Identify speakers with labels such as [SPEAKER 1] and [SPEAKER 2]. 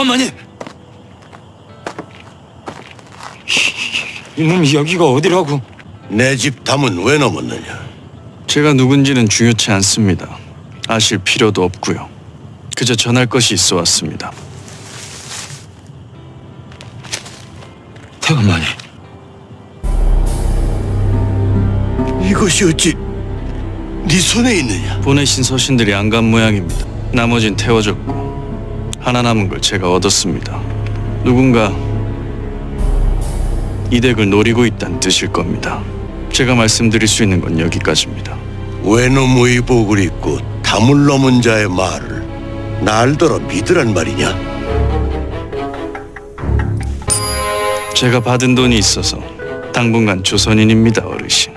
[SPEAKER 1] 태관마님! 이놈이 여기가 어디라고?
[SPEAKER 2] 내 집 담은 왜 넘었느냐?
[SPEAKER 3] 제가 누군지는 중요치 않습니다. 아실 필요도 없고요. 그저 전할 것이 있어 왔습니다.
[SPEAKER 1] 태관마님,
[SPEAKER 2] 이것이 어찌 네 손에 있느냐?
[SPEAKER 3] 보내신 서신들이 안 간 모양입니다. 나머진 태워졌고 하나 남은 걸 제가 얻었습니다. 누군가 이 덱을 노리고 있다는 뜻일 겁니다. 제가 말씀드릴 수 있는 건 여기까지입니다.
[SPEAKER 2] 외놈 의복을 입고 담을 넘은 자의 말을 날더러 믿으란 말이냐?
[SPEAKER 3] 제가 받은 돈이 있어서 당분간 조선인입니다, 어르신.